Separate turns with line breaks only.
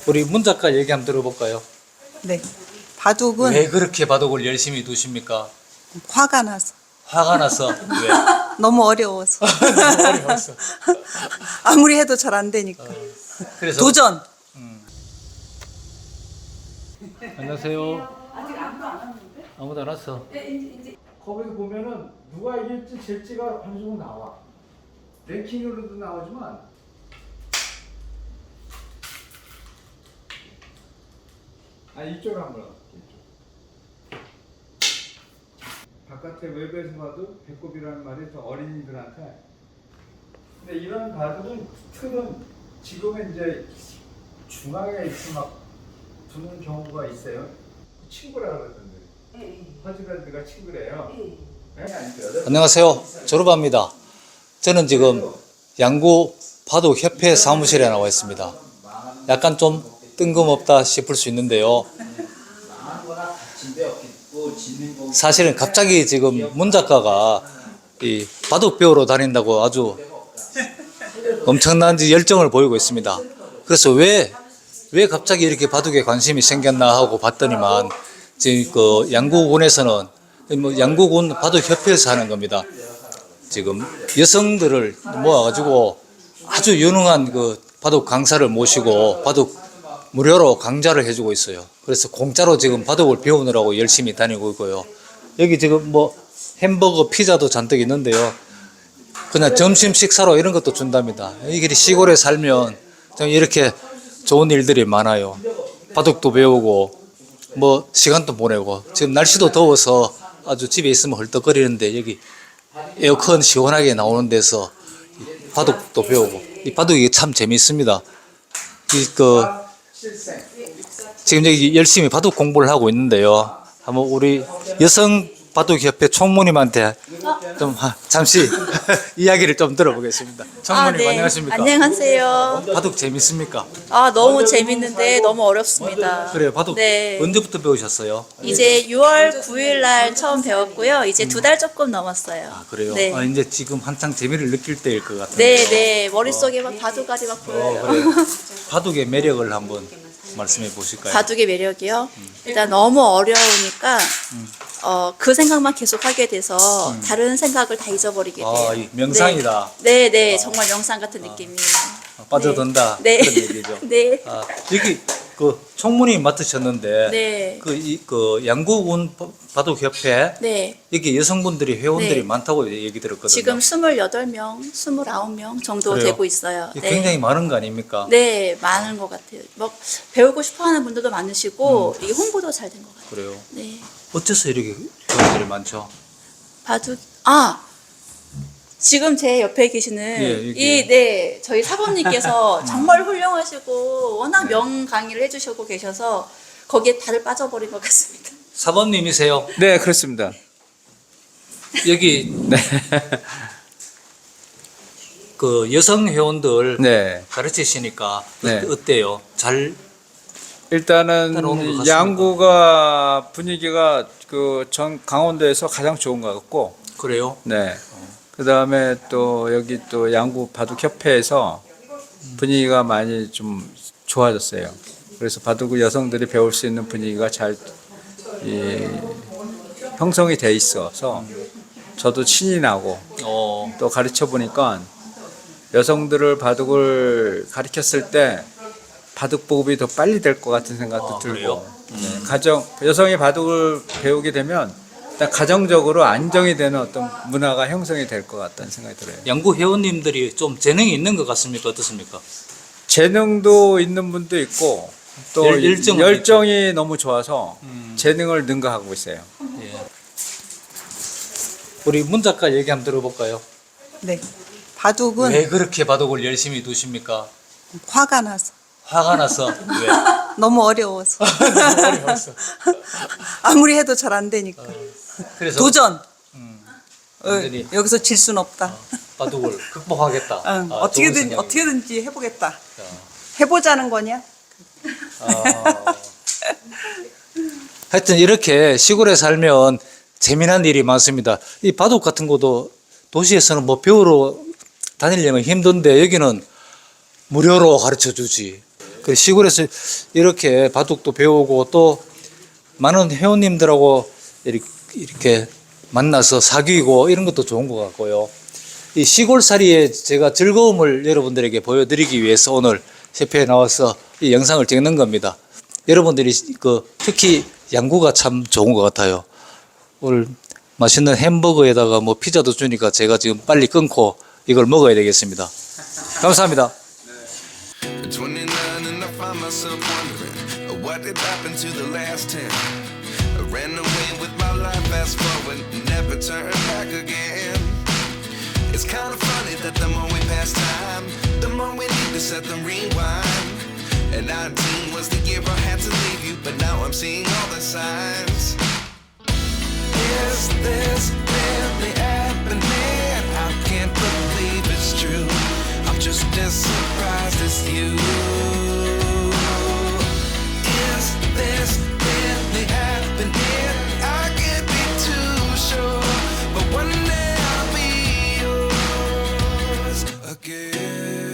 우리 문 작가 얘기 한번 들어볼까요?
네. 바둑은
왜 그렇게 바둑을 열심히 두십니까?
화가 나서.
화가 나서. 왜?
너무 어려워서.
너무 어려웠어.
아무리 해도 잘 안 되니까.
그래서
도전.
안녕하세요. 아무도 안 왔어. 거기서 보면은 누가 이길지 질지가 어느 정도 나와. 랭킹으로도 나오지만 이쪽으로 한번 이쪽. 바깥에 외부에서 봐도 배꼽이라는 말이 더 어린이들한테. 근데 이런 바둑은 틀은 지금은 이제 중앙에 있어 막 두는 경우가 있어요. 친구라 그러던데. 허즈밴드가 친구래요. 안녕하세요. 졸업합니다. 저는 지금 양구 바둑협회 사무실에 나와 있습니다. 약간 좀 뜬금없다 싶을 수 있는데요. 사실은 갑자기 지금 문 작가가 이 바둑 배우러 다닌다고 아주 엄청난 열정을 보이고 있습니다. 그래서 왜 갑자기 이렇게 바둑에 관심이 생겼나 하고 봤더니만 지금 그 양구군에서는 뭐 양구군 바둑협회에서 하는 겁니다. 지금 여성들을 모아가지고 아주 유능한 그 바둑 강사를 모시고 바둑 무료로 강좌를 해주고 있어요. 그래서 공짜로 지금 바둑을 배우느라고 열심히 다니고 있고요. 여기 지금 뭐 햄버거, 피자도 잔뜩 있는데요. 그냥 점심 식사로 이런 것도 준답니다. 이게 시골에 살면 좀 이렇게 좋은 일들이 많아요. 바둑도 배우고 뭐 시간도 보내고 지금 날씨도 더워서 아주 집에 있으면 헐떡거리는데 여기 에어컨 시원하게 나오는 데서 바둑도 배우고 이 바둑이 참 재미있습니다. 지금 여기 열심히 바둑 공부를 하고 있는데요. 한번 우리 여성 바둑협회 총무님한테 좀 잠시 이야기를 좀 들어보겠습니다. 총무님
네.
안녕하십니까?
안녕하세요.
바둑 재밌습니까?
너무 재밌는데 너무 어렵습니다.
그래요. 바둑
네.
언제부터 배우셨어요?
이제 6월 9일 날 처음 배웠고요. 이제 2달 조금 넘었어요.
그래요?
네.
이제 지금 한창 재미를 느낄 때일 것 같은데.
네. 머릿속에 막 바둑알이 막 보여요.
그래요. 바둑의 매력을 한번 말씀해 보실까요?
바둑의 매력이요? 일단 너무 어려우니까 그 생각만 계속 하게 돼서 다른 생각을 다 잊어버리게 돼요.
이 명상이다.
네. 정말 명상 같은 느낌이에요.
빠져든다.
네.
그런 얘기죠.
네.
여기 그 총무님 맡으셨는데
네.
그 양구군 바둑협회
네.
여기 여성분들이 회원들이
네.
많다고 얘기 들었거든요.
지금 28명, 29명 정도
그래요?
되고 있어요.
이게 굉장히 많은 거 아닙니까?
네, 많은 것 같아요. 뭐 배우고 싶어하는 분들도 많으시고 이게 홍보도 잘 된 것 같아요.
그래요.
네,
어째서 이렇게 회원들이 많죠?
바둑 지금 제 옆에 계시는
여기.
저희 사범님께서 정말 훌륭하시고 워낙 명 강의를 해주시고 계셔서 거기에 다들 빠져버린 것 같습니다.
사범님이세요?
네, 그렇습니다.
여기
네.
그 여성 회원들
네.
가르치시니까
네.
어때요? 잘
일단은
오는 것 같습니다.
양구가 분위기가 그 전 강원도에서 가장 좋은 것 같고,
그래요?
네. 그 다음에 또 여기 또 양구 바둑협회에서 분위기가 많이 좀 좋아졌어요. 그래서 바둑 여성들이 배울 수 있는 분위기가 잘 형성이 돼 있어서 저도 신이 나고 또 가르쳐 보니까 여성들을 바둑을 가르쳤을 때 바둑 보급이 더 빨리 될 것 같은 생각도 들고, 네, 여성이 바둑을 배우게 되면 일단 가정적으로 안정이 되는 어떤 문화가 형성이 될 것 같다는 생각이 들어요.
양구 회원님들이 좀 재능이 있는 것 같습니까? 어떻습니까?
재능도 있는 분도 있고 또 열정이 너무 좋아서 재능을 능가하고 있어요.
예. 우리 문 작가 얘기 한번 들어볼까요?
네. 바둑은
왜 그렇게 바둑을 열심히 두십니까?
화가 나서.
화가 나서. 왜?
너무 어려워서.
너무 어려웠어.
아무리 해도 잘 안 되니까.
그래서
도전.
완전히
여기서 질 순 없다.
바둑을 극복하겠다. 좋은 생각이에요.
어떻게든지 해보겠다.
자,
해보자는 거냐?
하여튼 이렇게 시골에 살면 재미난 일이 많습니다. 이 바둑 같은 것도 도시에서는 뭐 배우러 다니려면 힘든데 여기는 무료로 가르쳐 주지. 그 시골에서 이렇게 바둑도 배우고 또 많은 회원님들하고 이렇게 만나서 사귀고 이런 것도 좋은 것 같고요. 이 시골살이의 제가 즐거움을 여러분들에게 보여드리기 위해서 오늘 협회에 나와서 이 영상을 찍는 겁니다. 여러분들이 특히 양구가 참 좋은 것 같아요. 오늘 맛있는 햄버거에다가 뭐 피자도 주니까 제가 지금 빨리 끊고 이걸 먹어야 되겠습니다. 감사합니다.
29 and I find myself wondering what did happen to the last 10. I ran away with my life, fast forward, never turn back again. It's kind of funny that the more we pass time, the more we need to set the rewind. And 19 was the year I had to leave you, but now I'm seeing all the signs. Is this really happening? I can't believe it's true. I'm just as surprised as you.